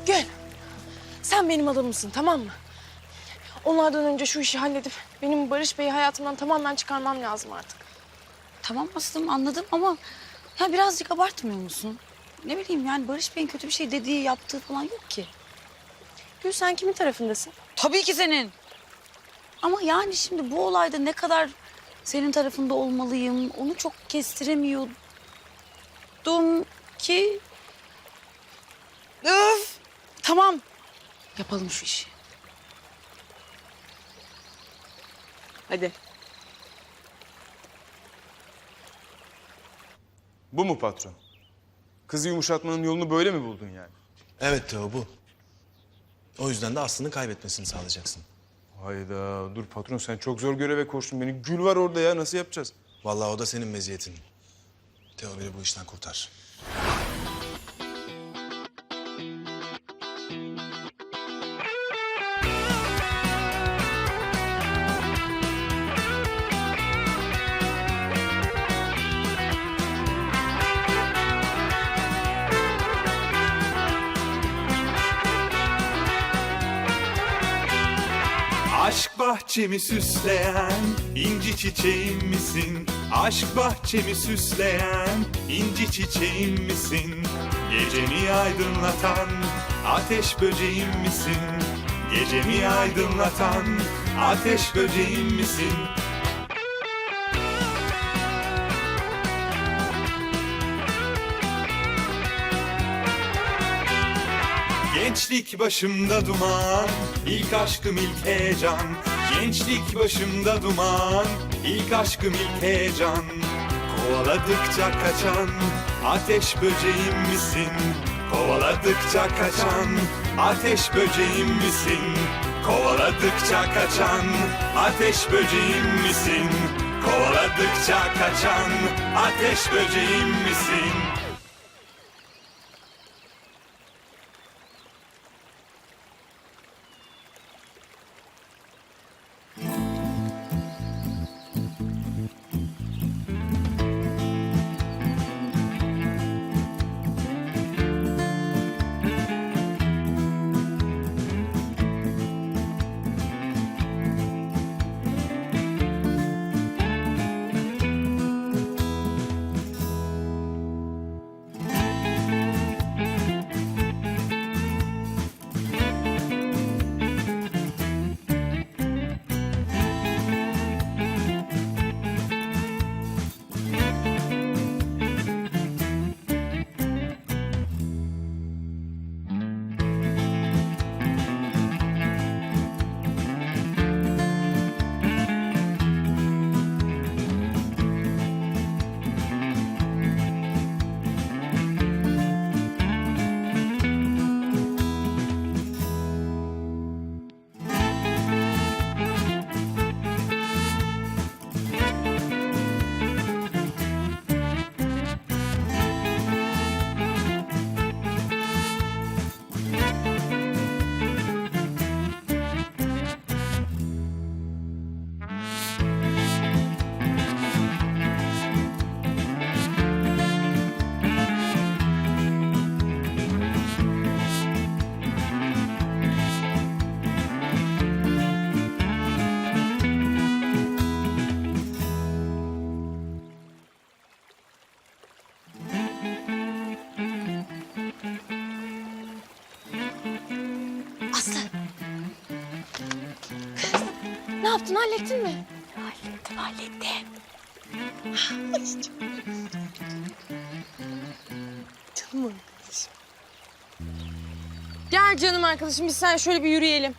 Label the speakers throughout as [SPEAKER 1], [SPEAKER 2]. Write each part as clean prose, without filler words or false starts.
[SPEAKER 1] Gül, sen benim adamımsın, tamam mı? Onlardan önce şu işi halledip benim Barış Bey'i hayatımdan tamamen çıkarmam lazım artık.
[SPEAKER 2] Tamam Aslım, anladım ama ya birazcık abartmıyor musun? Ne bileyim yani Barış Bey'in kötü bir şey dediği, yaptığı falan yok ki.
[SPEAKER 1] Gül, sen kimin tarafındasın?
[SPEAKER 2] Tabii ki senin. Ama yani şimdi bu olayda ne kadar senin tarafında olmalıyım onu çok kestiremiyordum ki... Öf! Tamam. Yapalım şu işi.
[SPEAKER 1] Hadi.
[SPEAKER 3] Bu mu patron? Kızı yumuşatmanın yolunu böyle mi buldun yani?
[SPEAKER 4] Evet Teo, bu. O yüzden de Aslı'nın kaybetmesini sağlayacaksın.
[SPEAKER 3] Hayda, dur patron, sen çok zor göreve koştun beni. Gül var orada ya, nasıl yapacağız?
[SPEAKER 4] Vallahi o da senin meziyetin. Teo, beni bu işten kurtar.
[SPEAKER 5] Aşk bahçemi süsleyen inci çiçeğim misin? Aşk bahçemi süsleyen inci çiçeğim misin? Gecemi aydınlatan ateş böceğim misin? Gecemi aydınlatan ateş böceğim misin? Gençlik başımda duman, ilk aşkım ilk heyecan. Gençlik başımda duman, ilk aşkım ilk heyecan. Kovaladıkça kaçan ateş böceğim misin? Kovaladıkça kaçan ateş böceğim misin? Kovaladıkça kaçan ateş böceğim misin? Kovaladıkça kaçan ateş böceğim misin?
[SPEAKER 2] Aslı.
[SPEAKER 1] Ne yaptın, hallettin mi?
[SPEAKER 2] Hallettim.
[SPEAKER 1] Canım arkadaşım. Gel canım arkadaşım, biz sen şöyle bir yürüyelim.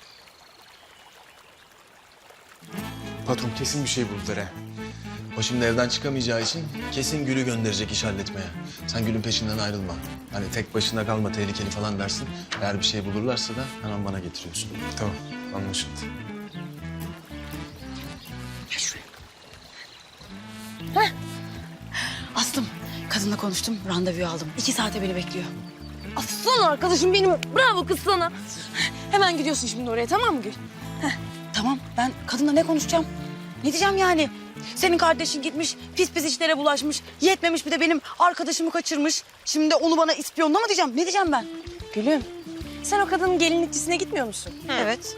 [SPEAKER 4] Patron kesin bir şey buldular ha. O şimdi evden çıkamayacağı için kesin Gül'ü gönderecek iş halletmeye. Sen Gül'ün peşinden ayrılma. Hani tek başına kalma, tehlikeli falan dersin. Eğer bir şey bulurlarsa da hemen bana getiriyorsun.
[SPEAKER 3] Tamam, anlaşıldı.
[SPEAKER 2] Gel şuraya. Aslım, kadınla konuştum, randevu aldım. 2 saate beni bekliyor.
[SPEAKER 1] Aslan arkadaşım benim, bravo kız sana. Hemen gidiyorsun şimdi oraya, tamam mı Gül?
[SPEAKER 2] Tamam, ben kadınla ne konuşacağım? Ne diyeceğim yani? Senin kardeşin gitmiş, pis pis işlere bulaşmış. Yetmemiş bir de benim arkadaşımı kaçırmış. Şimdi onu bana ispiyonla mı diyeceğim? Ne diyeceğim ben?
[SPEAKER 1] Gülüm, Sen o kadının gelinlikçisine gitmiyor musun?
[SPEAKER 2] Evet.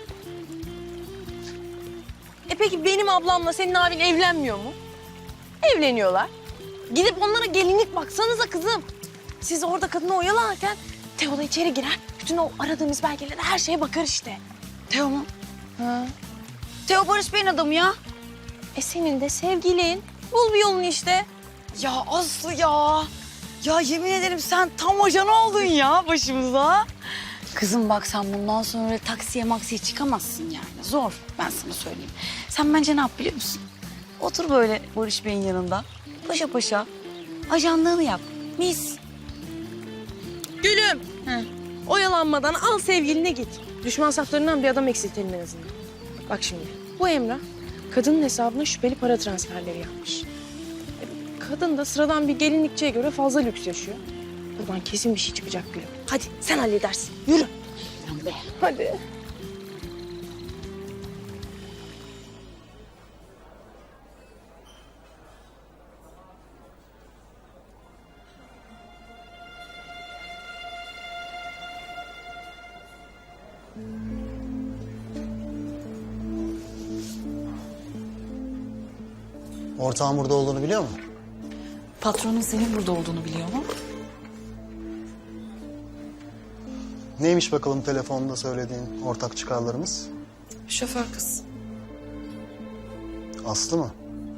[SPEAKER 1] Peki benim ablamla senin abin evlenmiyor mu? Evleniyorlar. Gidip onlara gelinlik baksanıza kızım. Siz orada kadını oyalarken Teo da içeri girer. Bütün o aradığımız belgelere, her şeye bakar işte.
[SPEAKER 2] Teo mu?
[SPEAKER 1] Ha.
[SPEAKER 2] Teo Barış Bey'in adamı ya.
[SPEAKER 1] Senin de sevgilin. Bul bir yolunu işte.
[SPEAKER 2] Ya Aslı ya. Ya yemin ederim sen tam ajan oldun ya başımıza. Kızım bak sen bundan sonra öyle taksiye maksiye çıkamazsın yani. Zor ben sana söyleyeyim. Sen bence ne yap biliyor musun? Otur böyle Barış Bey'in yanında. Paşa paşa ajanlığını yap. Mis.
[SPEAKER 1] Gülüm. Oyalanmadan al sevgiline git. Düşman saflarından bir adam eksiltelim en azından. Bak şimdi bu Emrah kadının hesabına şüpheli para transferleri yapmış. Kadın da sıradan bir gelinlikçiye göre fazla lüks yaşıyor. Buradan kesin bir şey çıkacak Gülüm. Hadi sen halledersin. Yürü. Hadi.
[SPEAKER 6] Ortağın burada olduğunu biliyor mu?
[SPEAKER 7] Patronun senin burada olduğunu biliyor mu?
[SPEAKER 6] Neymiş bakalım telefonda söylediğin ortak çıkarlarımız?
[SPEAKER 7] Şoför kız.
[SPEAKER 6] Aslı mı?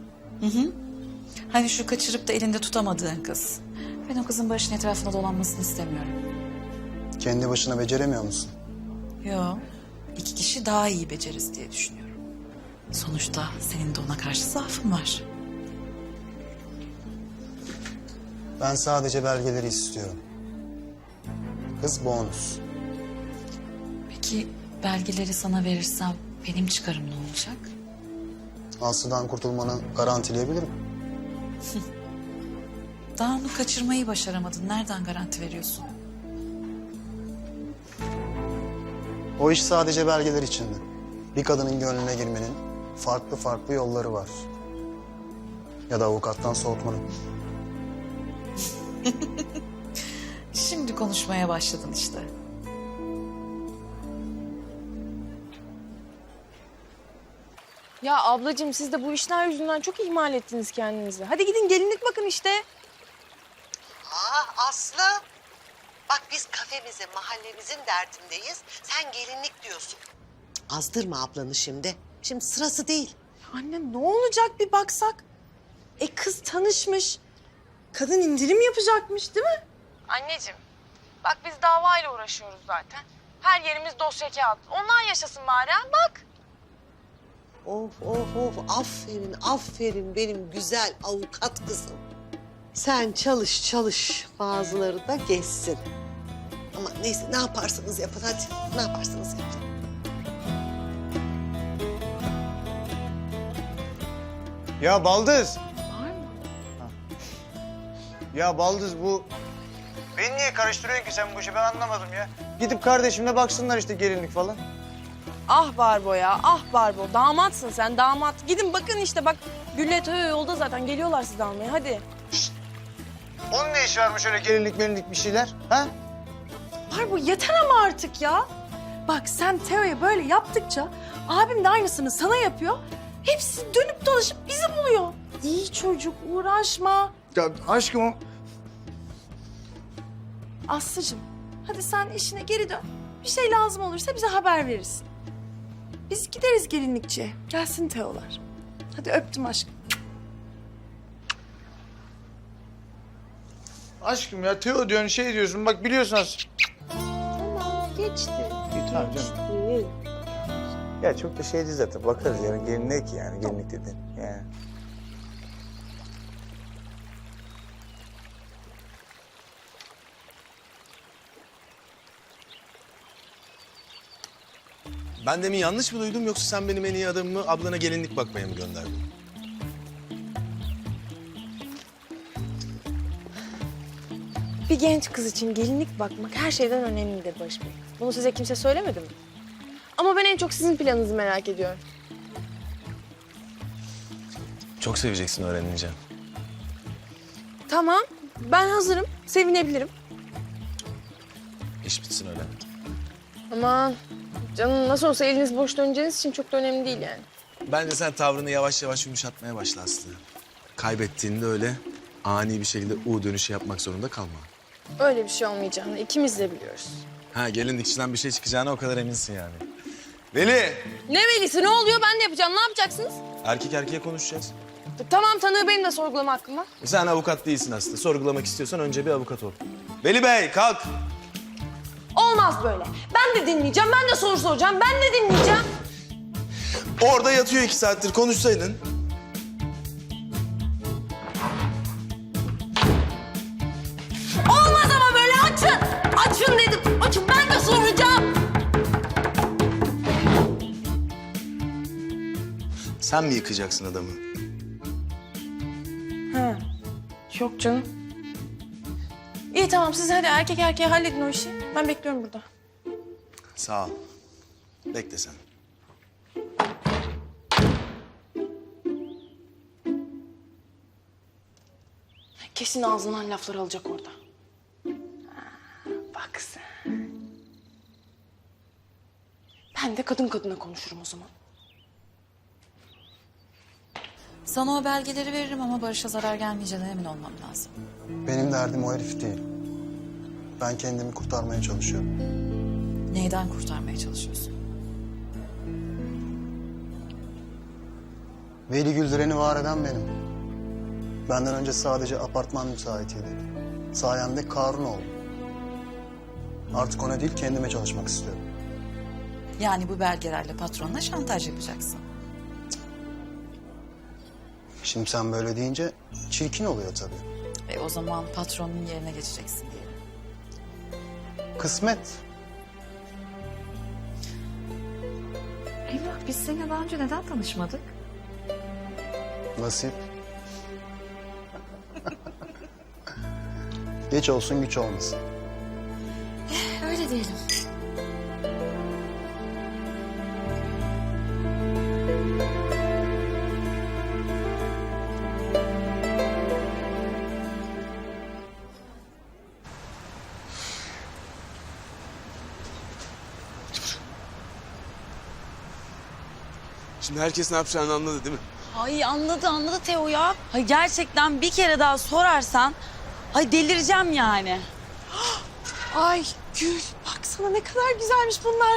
[SPEAKER 7] Hani şu kaçırıp da elinde tutamadığın kız. Ben o kızın Barış'ın etrafında dolanmasını istemiyorum.
[SPEAKER 6] Kendi başına beceremiyor musun?
[SPEAKER 7] Yo, 2 kişi daha iyi beceririz diye düşünüyorum. Sonuçta senin de ona karşı zaafın var.
[SPEAKER 6] Ben sadece belgeleri istiyorum. Kız bonus.
[SPEAKER 7] Peki belgeleri sana verirsem benim çıkarım ne olacak?
[SPEAKER 6] Aslı'dan kurtulmanı garantileyebilirim.
[SPEAKER 7] Daha onu kaçırmayı başaramadın. Nereden garanti veriyorsun?
[SPEAKER 6] O iş sadece belgeler içindi. Bir kadının gönlüne girmenin farklı farklı yolları var. Ya da avukattan soğutmanın.
[SPEAKER 7] Şimdi konuşmaya başladın işte.
[SPEAKER 1] Ya ablacığım siz de bu işler yüzünden çok ihmal ettiniz kendinizi. Hadi gidin gelinlik bakın işte.
[SPEAKER 8] Aslı. Bak biz kafemizin, mahallemizin derdindeyiz. Sen gelinlik diyorsun. Azdırma ablanı şimdi. Şimdi sırası değil.
[SPEAKER 1] Anne ne olacak bir baksak? Kız tanışmış. Kadın indirim yapacakmış değil mi? Anneciğim bak biz davayla uğraşıyoruz zaten. Her yerimiz dosya kağıt. Onlar yaşasın bari ha bak.
[SPEAKER 8] Of of of. Aferin, aferin benim güzel avukat kızım. Sen çalış çalış. Bazıları da geçsin. Ama neyse ne yaparsanız yapın hadi. Ne yaparsanız yapın.
[SPEAKER 9] Ya Baldız. Var mı? Ya Baldız bu... Beni niye karıştırıyorsun ki sen bu işi ben anlamadım ya. Gidip kardeşimle baksınlar işte gelinlik falan.
[SPEAKER 1] Ah Barbo ya ah Barbo. Damatsın sen damat. Gidin bakın işte bak. Gülle Teo yolda zaten geliyorlar sizi almaya hadi.
[SPEAKER 9] Onun ne işi varmış öyle gelinlik bir şeyler? Ha?
[SPEAKER 10] Barbo yeter ama artık ya. Bak sen Teo'ya böyle yaptıkça abim de aynısını sana yapıyor. Hepsi dönüp dolaşıp bizi buluyor. İyi çocuk uğraşma.
[SPEAKER 9] Ya aşkım o...
[SPEAKER 10] Aslıcığım hadi sen işine geri dön. Bir şey lazım olursa bize haber verirsin. Biz gideriz gelinlikçiye. Gelsin Teo'lar. Hadi öptüm aşkım.
[SPEAKER 9] Aşkım ya Teo diyorsun şey diyorsun bak biliyorsun az.
[SPEAKER 8] Tamam geçti.
[SPEAKER 9] İyi tamam canım. Ya çok da şeydi zaten bakarız yani gelinlik ki yani gelinlik dedin yani.
[SPEAKER 4] Ben demin yanlış mı duydum yoksa sen benim en iyi adamımı ablana gelinlik bakmaya mı gönderdin?
[SPEAKER 1] Bir genç kız için gelinlik bakmak her şeyden önemlidir Barış Bey. Bunu size kimse söylemedi mi? Ama ben en çok sizin planınızı merak ediyorum.
[SPEAKER 4] Çok seveceksin öğrenince.
[SPEAKER 1] Tamam, ben hazırım. Sevinebilirim.
[SPEAKER 4] İş bitsin öyle.
[SPEAKER 1] Aman canım nasıl olsa eliniz boş döneceğiniz için çok da önemli değil yani.
[SPEAKER 4] Bence sen tavrını yavaş yavaş yumuşatmaya başla Aslı. Kaybettiğinde öyle ani bir şekilde U dönüşü yapmak zorunda kalma.
[SPEAKER 1] Öyle bir şey olmayacağını ikimiz de biliyoruz.
[SPEAKER 4] Ha gelinlik içinden bir şey çıkacağına o kadar eminsin yani. Veli!
[SPEAKER 1] Ne velisi ne oluyor ben de yapacağım ne yapacaksınız?
[SPEAKER 4] Erkek erkeğe konuşacağız.
[SPEAKER 1] Tamam tanığı benim de sorgulama hakkım var.
[SPEAKER 4] Sen avukat değilsin Aslı. Sorgulamak istiyorsan önce bir avukat ol. Veli Bey kalk!
[SPEAKER 1] Olmaz böyle. Ben de dinleyeceğim, ben de soru soracağım, ben de dinleyeceğim.
[SPEAKER 4] Orada yatıyor 2 saattir konuşsaydın.
[SPEAKER 1] Olmaz ama böyle açın. Açın dedim. Açın ben de soracağım.
[SPEAKER 4] Sen mi yıkacaksın adamı?
[SPEAKER 1] Ha. Yok canım. İyi tamam siz hadi erkek erkeğe halledin o işi. Ben bekliyorum burada.
[SPEAKER 4] Sağ ol. Bekle sen.
[SPEAKER 1] Kesin ağzından laflar alacak orada. Ha, bak sen. Ben de kadın kadına konuşurum o zaman.
[SPEAKER 7] Sana o belgeleri veririm ama Barış'a zarar gelmeyeceğine emin olmam lazım.
[SPEAKER 6] Benim derdim o herif değil. Ben kendimi kurtarmaya çalışıyorum.
[SPEAKER 7] Neyden kurtarmaya çalışıyorsun?
[SPEAKER 6] Veli Güldüren'i var eden benim. Benden önce sadece apartman müsaitiydi. Sayemde Karun oldum. Artık ona değil kendime çalışmak istiyorum.
[SPEAKER 7] Yani bu belgelerle patronuna şantaj yapacaksın.
[SPEAKER 6] Şimdi sen böyle deyince çirkin oluyor tabii.
[SPEAKER 7] O zaman patronun yerine geçeceksin diyelim.
[SPEAKER 6] Kısmet.
[SPEAKER 7] Emrah biz seninle daha önce neden tanışmadık?
[SPEAKER 6] Nasip. Geç olsun güç olmasın.
[SPEAKER 7] Öyle diyelim.
[SPEAKER 4] Şimdi herkes ne yapacağını anladı değil mi?
[SPEAKER 2] Ay anladı Teo ya. Ay gerçekten bir kere daha sorarsan ay delireceğim yani.
[SPEAKER 10] Ay Gül baksana ne kadar güzelmiş bunlar.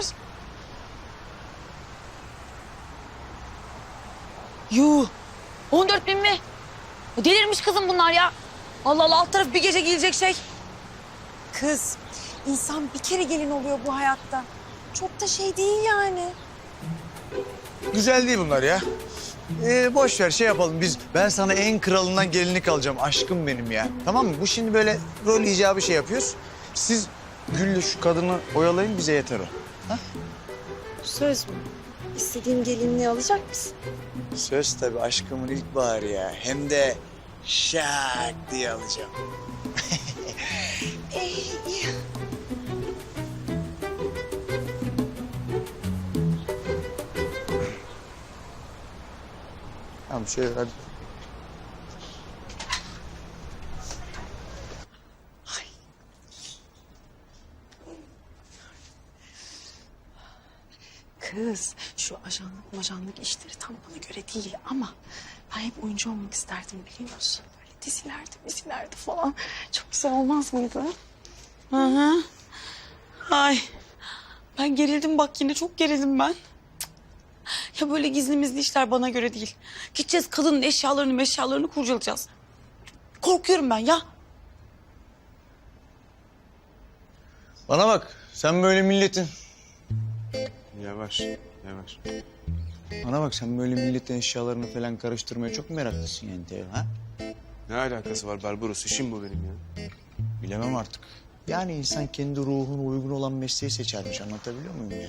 [SPEAKER 2] Yuh. 14.000 mi? Delirmiş kızım bunlar ya. Allah Allah alt taraf bir gece giyilecek şey.
[SPEAKER 10] Kız insan bir kere gelin oluyor bu hayatta. Çok da şey değil yani.
[SPEAKER 9] Güzel değil bunlar ya. Boş ver şey yapalım biz. Ben sana en kralından gelinlik alacağım aşkım benim ya. Tamam mı? Bu şimdi böyle rol icabı şey yapıyoruz. Siz Gül'le şu kadını oyalayın bize yeter o.
[SPEAKER 10] Söz mü? İstediğim gelinliği alacak mısın?
[SPEAKER 9] Söz tabii aşkımın ilkbaharı ya. Hem de şak diye alacağım. Tamam şöyle hadi.
[SPEAKER 10] Kız şu ajanlık işleri tam bana göre değil ama ben hep oyuncu olmak isterdim biliyor musun? Böyle dizilerde falan çok güzel olmaz mıydı?
[SPEAKER 2] Hı hı. Ay. Ben gerildim bak yine çok gerildim ben. Ya böyle gizli işler bana göre değil. Gideceğiz kadının eşyalarını kurcalayacağız. Korkuyorum ben ya.
[SPEAKER 9] Bana bak sen böyle milletin...
[SPEAKER 3] Yavaş, yavaş.
[SPEAKER 9] Bana bak sen böyle milletin eşyalarını falan karıştırmaya çok meraklısın yani Teo ha?
[SPEAKER 3] Ne alakası var Barbaros? İşim bu benim ya.
[SPEAKER 9] Bilemem artık. Yani insan kendi ruhuna uygun olan mesleği seçermiş anlatabiliyor muyum yani?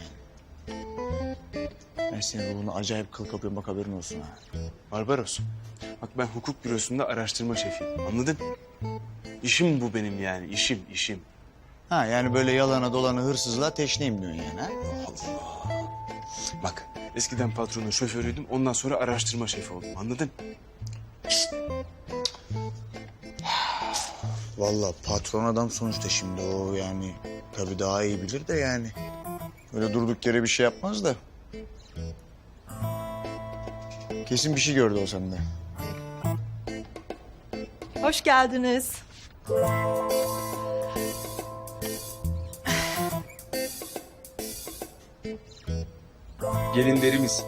[SPEAKER 9] Ben senin ruhuna acayip kıl kapıyorum bak haberin olsun ha.
[SPEAKER 3] Barbaros, bak ben hukuk bürosunda araştırma şefiyim. Anladın? İşim bu benim yani. İşim.
[SPEAKER 9] Ha yani böyle yalana dolana hırsızlığa teşneyim diyorsun yani ha?
[SPEAKER 3] Bak eskiden patronun şoförüydüm. Ondan sonra araştırma şefi oldum. Anladın?
[SPEAKER 9] Vallahi patron adam sonuçta şimdi o yani tabii daha iyi bilir de yani. Öyle durduk yere bir şey yapmaz da. Kesin bir şey gördü o sende.
[SPEAKER 10] Hoş geldiniz.
[SPEAKER 3] Gelinlerimiz.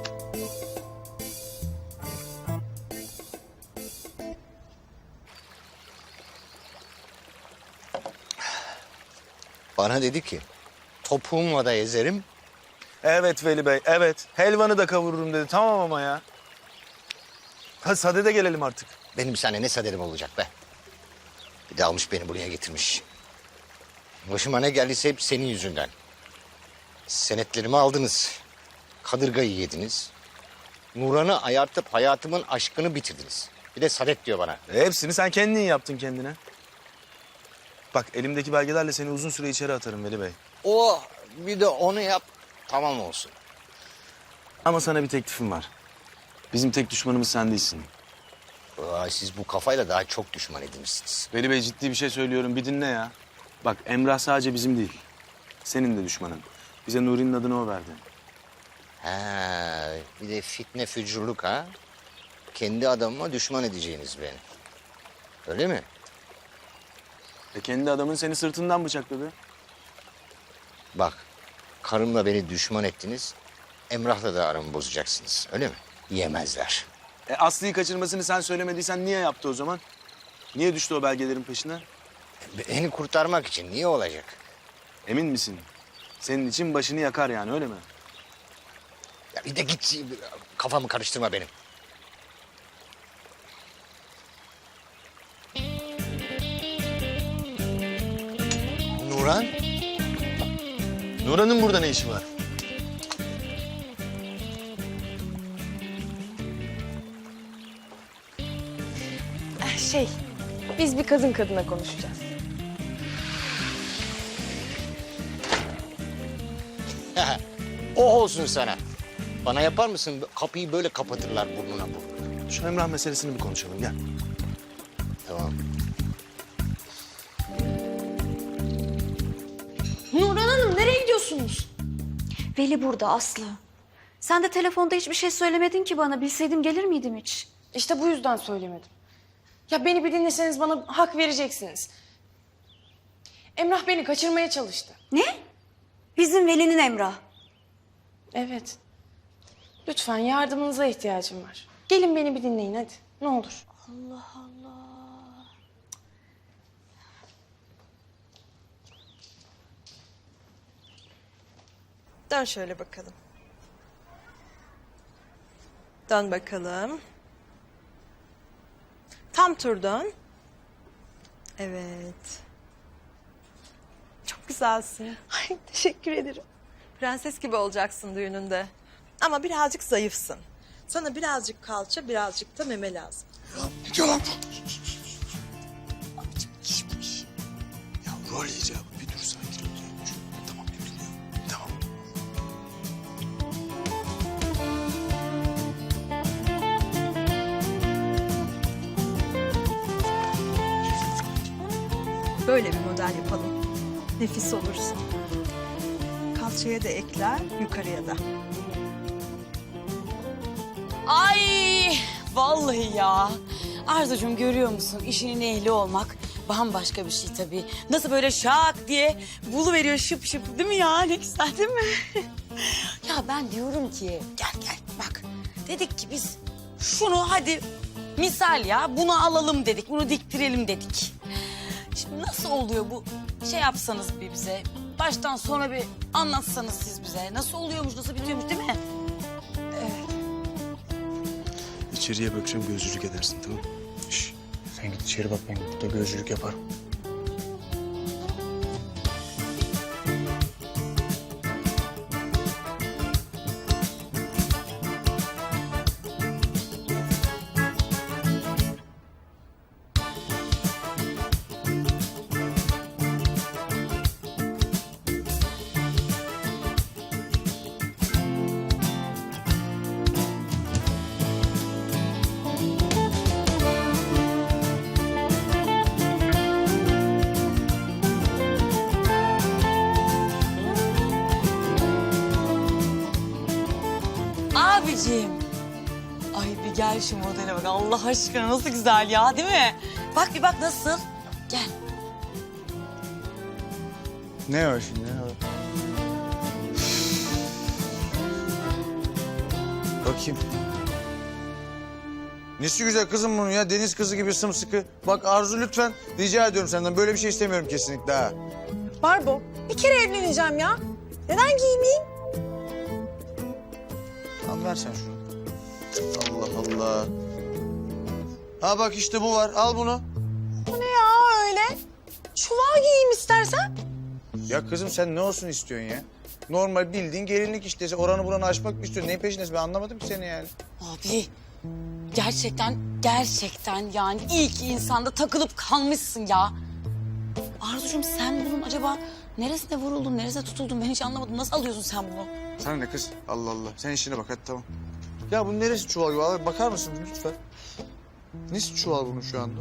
[SPEAKER 11] Bana dedi ki topuğumla da ezerim.
[SPEAKER 4] Evet Veli Bey, evet. Helvanı da kavururum dedi. Tamam ama ya. Hadi sadede gelelim artık.
[SPEAKER 11] Benim sana ne saderim olacak be. Bir de almış beni buraya getirmiş. Başıma ne geldiyse hep senin yüzünden. Senetlerimi aldınız. Kadırgayı yediniz. Nuran'ı ayartıp hayatımın aşkını bitirdiniz. Bir de sadet diyor bana.
[SPEAKER 4] Hepsini sen kendin yaptın kendine. Bak elimdeki belgelerle seni uzun süre içeri atarım Veli Bey.
[SPEAKER 11] O bir de onu yap tamam olsun.
[SPEAKER 4] Ama sana bir teklifim var. Bizim tek düşmanımız sen değilsin.
[SPEAKER 11] Vay, siz bu kafayla daha çok düşman edinmişsiniz.
[SPEAKER 4] Veli Bey ciddi bir şey söylüyorum. Bir dinle ya. Bak Emrah sadece bizim değil. Senin de düşmanın. Bize Nuri'nin adını o verdi.
[SPEAKER 11] Ha, bir de fitne fücurluk ha. Kendi adamıma düşman edeceğiniz beni. Öyle mi?
[SPEAKER 4] Kendi adamın seni sırtından bıçakladı.
[SPEAKER 11] Bak, karımla beni düşman ettiniz. Emrah'la da aramı bozacaksınız. Öyle mi? Yemezler.
[SPEAKER 4] Aslı'yı kaçırmasını sen söylemediysen niye yaptı o zaman? Niye düştü o belgelerin peşine?
[SPEAKER 11] Beni kurtarmak için niye olacak?
[SPEAKER 4] Emin misin? Senin için başını yakar yani öyle mi?
[SPEAKER 11] Ya bir de git kafamı karıştırma benim. Nuran?
[SPEAKER 4] Nuran'ın burada ne işi var?
[SPEAKER 1] Biz bir kadın kadına konuşacağız.
[SPEAKER 11] O olsun sana. Bana yapar mısın? Kapıyı böyle kapatırlar burnuna burnuna.
[SPEAKER 4] Şu Emrah meselesini bir konuşalım gel.
[SPEAKER 11] Tamam.
[SPEAKER 1] Nurhan Hanım nereye gidiyorsunuz?
[SPEAKER 12] Veli burada Aslı. Sen de telefonda hiçbir şey söylemedin ki bana. Bilseydim gelir miydim hiç?
[SPEAKER 1] İşte bu yüzden söylemedim. Ya beni bir dinleseniz bana hak vereceksiniz. Emrah beni kaçırmaya çalıştı.
[SPEAKER 12] Ne? Bizim Veli'nin Emrah.
[SPEAKER 1] Evet. Lütfen yardımınıza ihtiyacım var. Gelin beni bir dinleyin hadi. Ne olur.
[SPEAKER 12] Allah Allah.
[SPEAKER 10] Dön şöyle bakalım. Dön bakalım. Tam tur dön. Evet. Çok güzelsin.
[SPEAKER 1] Ay teşekkür ederim.
[SPEAKER 10] Prenses gibi olacaksın düğününde. Ama birazcık zayıfsın. Sana birazcık kalça, birazcık da meme lazım.
[SPEAKER 4] Yalan. Ya rol icabı bir dur sakin ol. Tamam bir dur ya. Tamam.
[SPEAKER 10] Böyle bir model yapalım. Nefis olursun. Kalçaya da ekler, yukarıya da.
[SPEAKER 2] Ay vallahi ya. Arzucuğum görüyor musun? İşinin ehli olmak bambaşka bir şey tabii. Nasıl böyle şak diye buluveriyor şıp şıp değil mi ya? Ne güzel değil mi? Ya ben diyorum ki gel bak. Dedik ki biz şunu hadi misal ya bunu alalım dedik. Bunu diktirelim dedik. Şimdi nasıl oluyor bu? Şey yapsanız bir bize. Baştan sona bir anlatsanız siz bize. Nasıl oluyormuş, nasıl bitiyormuş değil mi?
[SPEAKER 3] İçeriye bakacağım gözcülük edersin tamam mı?
[SPEAKER 4] Şş, sen git içeri bak ben burada gözcülük yaparım.
[SPEAKER 2] anneciğim. Ay bir gel şu modele bak. Allah aşkına nasıl güzel ya, değil mi? Bak bir bak nasıl. Gel.
[SPEAKER 9] Ne o şimdi? Ne o? Bakayım. Nesi güzel kızım bunun ya. Deniz kızı gibi sımsıkı. Bak Arzu lütfen rica ediyorum senden. Böyle bir şey istemiyorum kesinlikle ha.
[SPEAKER 10] Barbo, bir kere evleneceğim ya. Neden giymeyeyim?
[SPEAKER 9] Tamam ver sen şunu. Allah Allah. Ha bak işte bu var. Al bunu.
[SPEAKER 10] Bu ne ya öyle? Çuval giyeyim istersen.
[SPEAKER 9] Ya kızım sen ne olsun istiyorsun ya? Normal bildiğin gelinlik işte. Oranı buranı açmak mı istiyorsun? Neyin peşindesin? Ben anlamadım ki seni yani.
[SPEAKER 2] Abi gerçekten yani ilk insanda takılıp kalmışsın ya. Arzucuğum sen bunun acaba neresine vuruldun, neresine tutuldun ben hiç anlamadım. Nasıl alıyorsun sen bunu?
[SPEAKER 9] Sana ne kız? Allah Allah. Sen işine bak hadi tamam. Ya bunun neresi çuval gibi? Abi, bakar mısın lütfen? Nesi çuval bunun şu anda?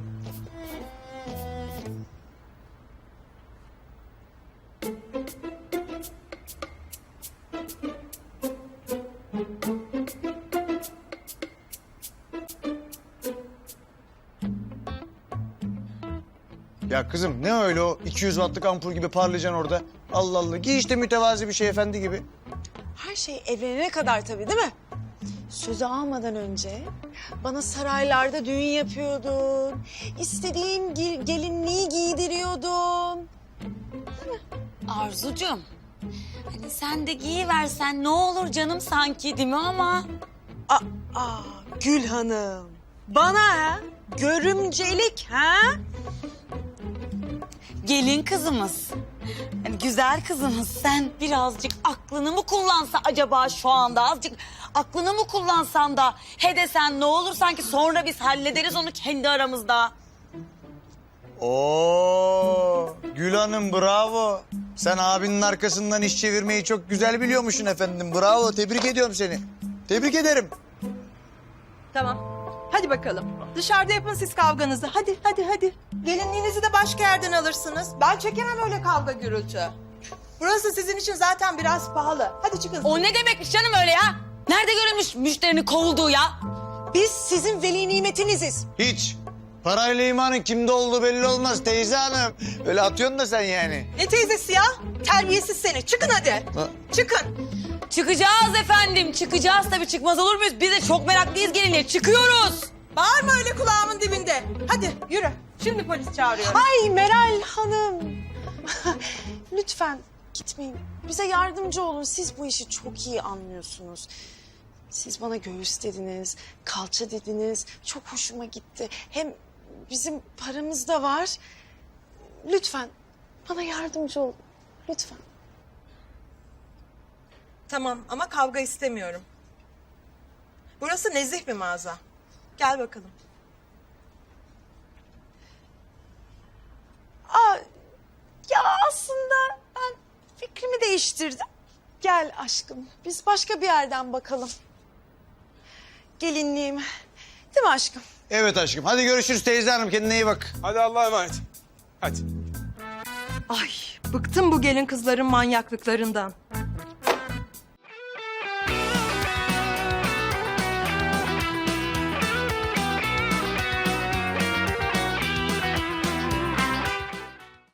[SPEAKER 9] Ya kızım ne öyle o 200 wattlık ampul gibi parlayacaksın orada? Allah Allah. Giy işte mütevazi bir şey efendi gibi.
[SPEAKER 10] Her şey evlenene kadar tabii değil mi? Sözü almadan önce bana saraylarda düğün yapıyordun. İstediğim gelinliği giydiriyordun.
[SPEAKER 2] Arzucuğum hani sen de giyiversen ne olur canım sanki değil mi ama?
[SPEAKER 10] Aa, Gül Hanım. Bana ha? Görümcelik ha?
[SPEAKER 2] Gelin kızımız. Yani güzel kızımız sen birazcık aklını mı kullansa acaba şu anda azıcık aklını mı kullansan da he desen ne olur sanki sonra biz hallederiz onu kendi aramızda.
[SPEAKER 9] Oo, Gül Hanım bravo. Sen abinin arkasından iş çevirmeyi çok güzel biliyormuşsun efendim. Bravo, tebrik ediyorum seni. Tebrik ederim.
[SPEAKER 10] Tamam. Hadi bakalım. Dışarıda yapın siz kavganızı. Hadi. Gelinliğinizi de başka yerden alırsınız. Ben çekemem öyle kavga gürültü. Burası sizin için zaten biraz pahalı. Hadi çıkın.
[SPEAKER 2] O ne demekmiş canım öyle ya? Nerede görülmüş müşterinin kovulduğu ya?
[SPEAKER 10] Biz sizin veli nimetiniziz.
[SPEAKER 9] Hiç. Parayla imanın kimde olduğu belli olmaz teyze hanım. Öyle atıyorsun da sen yani.
[SPEAKER 10] Ne teyzesi ya? Terbiyesiz seni. Çıkın hadi.
[SPEAKER 9] Ha.
[SPEAKER 10] Çıkın.
[SPEAKER 2] Çıkacağız efendim çıkacağız tabii çıkmaz olur muyuz? Biz de çok meraklıyız gelinliğe çıkıyoruz.
[SPEAKER 10] Bağırma öyle kulağımın dibinde. Hadi yürü. Şimdi polis çağırıyorum. Ay Meral Hanım. Lütfen gitmeyin. Bize yardımcı olun. Siz bu işi çok iyi anlıyorsunuz. Siz bana göğüs dediniz, kalça dediniz. Çok hoşuma gitti. Hem bizim paramız da var. Lütfen bana yardımcı olun. Lütfen. Tamam ama kavga istemiyorum. Burası nezih bir mağaza. Gel bakalım. Ya aslında ben fikrimi değiştirdim. Gel aşkım, biz başka bir yerden bakalım. Gelinliğim. Değil mi aşkım?
[SPEAKER 9] Evet aşkım. Hadi görüşürüz teyze hanım. Kendine iyi bak.
[SPEAKER 3] Hadi Allah'a emanet. Hadi.
[SPEAKER 10] Ay, bıktım bu gelin kızların manyaklıklarından.